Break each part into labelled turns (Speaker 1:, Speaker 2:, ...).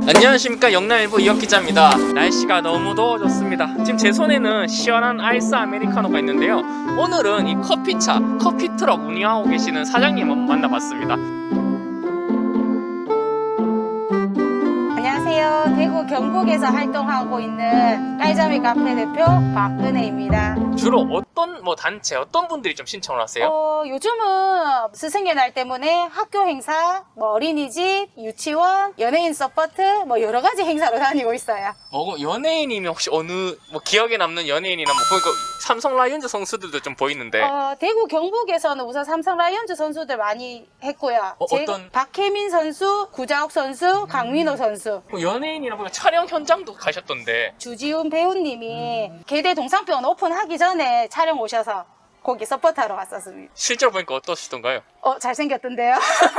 Speaker 1: 안녕하십니까, 영남일보 이혁 기자입니다. 날씨가 너무 더워졌습니다. 지금 제 손에는 시원한 아이스 아메리카노가 있는데요. 오늘은 이 커피차, 커피트럭 운영하고 계시는 사장님 한번 만나봤습니다.
Speaker 2: 안녕하세요. 대구 경북에서 활동하고 있는 깔자미 카페 대표 박은혜입니다.
Speaker 1: 주로 어떤 단체, 어떤 분들이 좀 신청을 하세요?
Speaker 2: 요즘은 스승의 날 때문에 학교 행사, 어린이집, 유치원, 연예인 서포트, 여러 가지 행사로 다니고 있어요.
Speaker 1: 연예인이면 혹시 어느 기억에 남는 연예인이나 보니까 삼성 라이온즈 선수들도 좀 보이는데.
Speaker 2: 대구 경북에서는 우선 삼성 라이온즈 선수들 많이 했고요.
Speaker 1: 어떤?
Speaker 2: 박혜민 선수, 구자욱 선수, 강민호 선수.
Speaker 1: 연예인이나 보니까 촬영 현장도 가셨던데.
Speaker 2: 주지훈 배우님이 계대 동상병원 오픈하기 전에 촬영 오셔서 거기 서포트하러 왔었습니다.
Speaker 1: 실제로 보니까 어떠시던가요?
Speaker 2: 잘생겼던데요?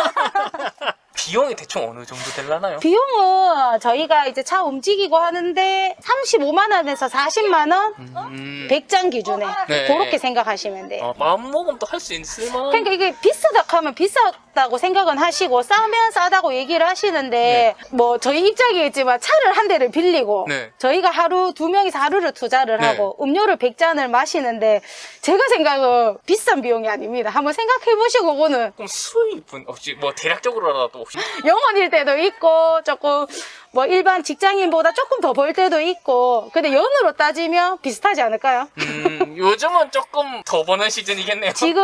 Speaker 1: 비용이 대충 어느 정도 되려나요?
Speaker 2: 비용은 저희가 이제 차 움직이고 하는데 35만원에서 40만원? 100장 기준에
Speaker 1: 네.
Speaker 2: 그렇게 생각하시면 돼요.
Speaker 1: 마음먹음도 할 수 있을 만한.
Speaker 2: 그러니까 이게 비싸다 하면 비싸다고 생각은 하시고 싸면 싸다고 얘기를 하시는데 저희 입장이겠지만 차를 한 대를 빌리고
Speaker 1: 네.
Speaker 2: 저희가 하루 2명이서 하루를 투자를
Speaker 1: 네.
Speaker 2: 하고 음료를 100잔을 마시는데 제가 생각은 비싼 비용이 아닙니다. 한번 생각해 보시고 그거는
Speaker 1: 그럼 수입은 혹시 대략적으로라도 혹시
Speaker 2: 영원일 때도 있고 조금 일반 직장인보다 조금 더 벌 때도 있고 근데 연으로 따지면 비슷하지 않을까요?
Speaker 1: 요즘은 조금 더 버는 시즌이겠네요.
Speaker 2: 지금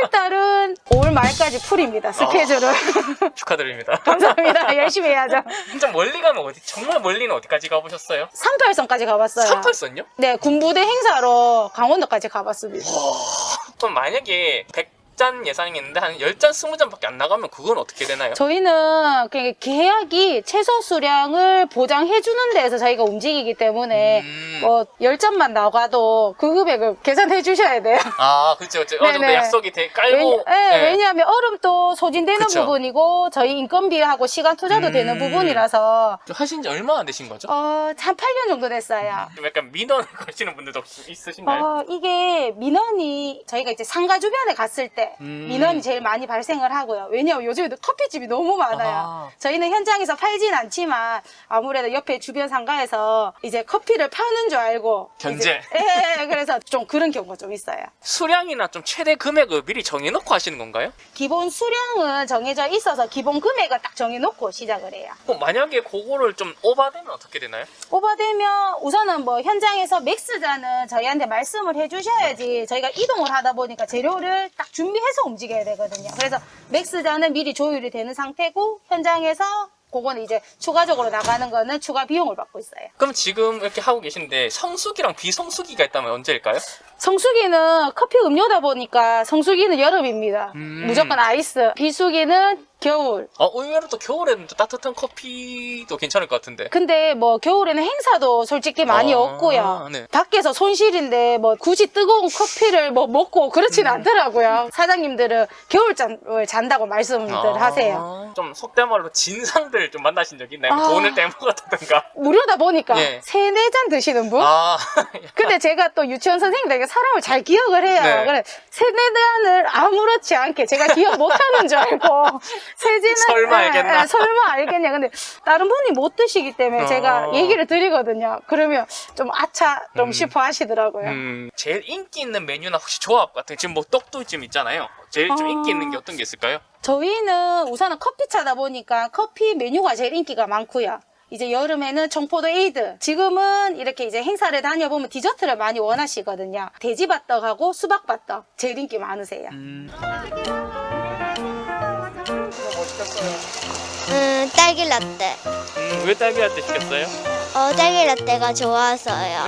Speaker 2: 5월달은 5월 말까지 풀입니다. 스케줄을.
Speaker 1: 축하드립니다.
Speaker 2: 감사합니다. 열심히 해야죠.
Speaker 1: 좀 멀리 가면 어디? 정말 멀리는 어디까지 가보셨어요?
Speaker 2: 38선까지 가봤어요.
Speaker 1: 38선요?
Speaker 2: 네, 군부대 행사로 강원도까지 가봤습니다.
Speaker 1: 그럼 만약에 100잔 예상했는데 한 10잔, 20잔밖에 안 나가면 그건 어떻게 되나요?
Speaker 2: 저희는 그냥 계약이 최소 수량을 보장해주는 데에서 저희가 움직이기 때문에 10잔만 나가도 그 금액을 계산해 주셔야 돼요.
Speaker 1: 그렇죠. 어느 정도
Speaker 2: 네네.
Speaker 1: 약속이 깔고.
Speaker 2: 왜냐하면 얼음도 소진되는
Speaker 1: 그쵸.
Speaker 2: 부분이고 저희 인건비하고 시간 투자도 되는 부분이라서
Speaker 1: 좀 하신 지 얼마나 되신 거죠?
Speaker 2: 한 8년 정도 됐어요.
Speaker 1: 좀 약간 민원을 거시는 분들도 혹시 있으신가요?
Speaker 2: 이게 민원이 저희가 이제 상가 주변에 갔을 때 민원이 제일 많이 발생을 하고요. 왜냐하면 요즘에 커피집이 너무 많아요. 저희는 현장에서 팔진 않지만 아무래도 옆에 주변 상가에서 이제 커피를 파는 줄 알고
Speaker 1: 견제.
Speaker 2: 그래서 좀 그런 경우가 좀 있어요.
Speaker 1: 수량이나 좀 최대 금액을 미리 정해놓고 하시는 건가요?
Speaker 2: 기본 수량은 정해져 있어서 기본 금액을 딱 정해놓고 시작을 해요.
Speaker 1: 만약에 그거를 좀 오버되면 어떻게 되나요?
Speaker 2: 오버되면 우선은 현장에서 맥스잔은 저희한테 말씀을 해주셔야지 저희가 이동을 하다 보니까 재료를 딱 준비해서 움직여야 되거든요. 그래서 맥스잔은 미리 조율이 되는 상태고 현장에서 그거는 이제 추가적으로 나가는 거는 추가 비용을 받고 있어요.
Speaker 1: 그럼 지금 이렇게 하고 계신데 성수기랑 비성수기가 있다면 언제일까요?
Speaker 2: 성수기는 커피 음료다 보니까 성수기는 여름입니다. 무조건 아이스. 비수기는 겨울.
Speaker 1: 의외로 또 겨울에는 또 따뜻한 커피도 괜찮을 것 같은데.
Speaker 2: 근데 겨울에는 행사도 솔직히 많이 없고요.
Speaker 1: 네.
Speaker 2: 밖에서 손실인데 굳이 뜨거운 커피를 먹고 그렇지는 않더라고요. 사장님들은 겨울잠을 잔다고 말씀들 하세요.
Speaker 1: 좀 속된 말로 진상들 좀 만나신 적 있나요? 돈을 떼먹었다든가.
Speaker 2: 무료다 보니까
Speaker 1: 예.
Speaker 2: 3-4잔 드시는 분? 근데 제가 또 유치원 선생님들에게 사람을 잘 기억을 해요.
Speaker 1: 네.
Speaker 2: 그래 3-4잔을 아무렇지 않게 제가 기억 못하는 줄 알고 세진은
Speaker 1: 설마 알겠나?
Speaker 2: 설마 알겠냐. 근데 다른 분이 못 드시기 때문에 제가 얘기를 드리거든요. 그러면 좀 아차 좀 싶어 하시더라고요.
Speaker 1: 제일 인기 있는 메뉴나 혹시 조합 같은 지금 떡도 좀 있잖아요. 제일 좀 인기 있는 게 어떤 게 있을까요?
Speaker 2: 저희는 우선은 커피차다 보니까 커피 메뉴가 제일 인기가 많고요. 이제 여름에는 청포도 에이드. 지금은 이렇게 이제 행사를 다녀보면 디저트를 많이 원하시거든요. 돼지밥떡하고 수박밥떡 제일 인기 많으세요.
Speaker 3: 딸기 라떼.
Speaker 1: 왜 딸기 라떼 시켰어요?
Speaker 3: 딸기 라떼가 좋아서요.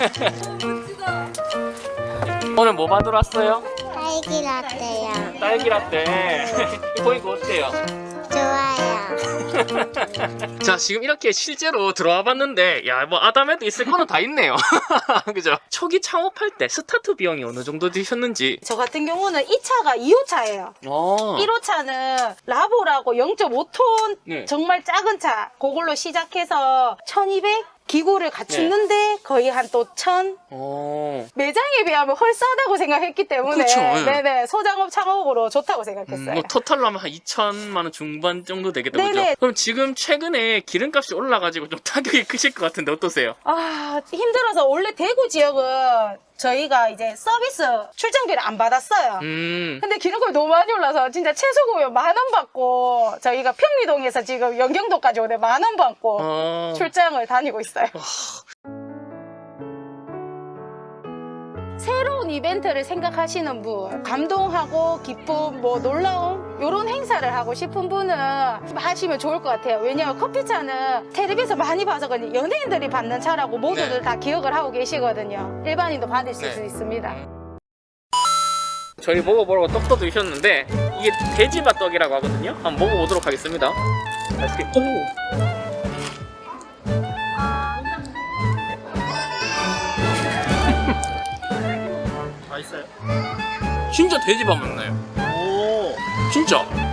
Speaker 1: 오늘 뭐 받으러 왔어요?
Speaker 3: 딸기 라떼요.
Speaker 1: 딸기 라떼. 보니까 어때요?
Speaker 3: 좋아요.
Speaker 1: 자, 지금 이렇게 실제로 들어와 봤는데 아담에도 있을 거는 다 있네요. 그죠? 초기 창업할 때 스타트 비용이 어느 정도 드셨는지.
Speaker 2: 저 같은 경우는 이 차가 2호차예요. 1호차는 라보라고 0.5톤
Speaker 1: 네.
Speaker 2: 정말 작은 차 그걸로 시작해서 1200 기구를 갖추는데 거의 한 또 1,000 매장에 비하면 헐 싸다고 생각했기 때문에
Speaker 1: 그렇죠, 예.
Speaker 2: 네네 소작업 창업으로 좋다고 생각했어요.
Speaker 1: 뭐 토탈로 하면 한 2천만 원 중반 정도 되겠다, 그죠?
Speaker 2: 네네.
Speaker 1: 그럼 지금 최근에 기름값이 올라가지고 좀 타격이 크실 것 같은데 어떠세요?
Speaker 2: 아 힘들어서 원래 대구 지역은 저희가 이제 서비스 출장비를 안 받았어요. 근데 기름값이 너무 많이 올라서 진짜 최소금이 10,000원 받고 저희가 평리동에서 지금 연경도까지 오는데 10,000원 받고 출장을 다니고 있어요. 새로운 이벤트를 생각하시는 분, 감동하고 기쁨, 뭐 놀라움 이런 행사를 하고 싶은 분은 하시면 좋을 것 같아요. 왜냐하면 커피차는 텔레비에서 많이 봐서 그런지 연예인들이 받는 차라고 모두들
Speaker 1: 네.
Speaker 2: 다 기억을 하고 계시거든요. 일반인도 받으실
Speaker 1: 네.
Speaker 2: 수 있습니다.
Speaker 1: 저희 먹어보라고 떡도 드셨는데 이게 돼지맛떡이라고 하거든요. 한번 먹어보도록 하겠습니다. 맛있게.
Speaker 4: 맛있어요?
Speaker 1: 진짜 돼지밥 맛나요.
Speaker 4: 오.
Speaker 1: 진짜.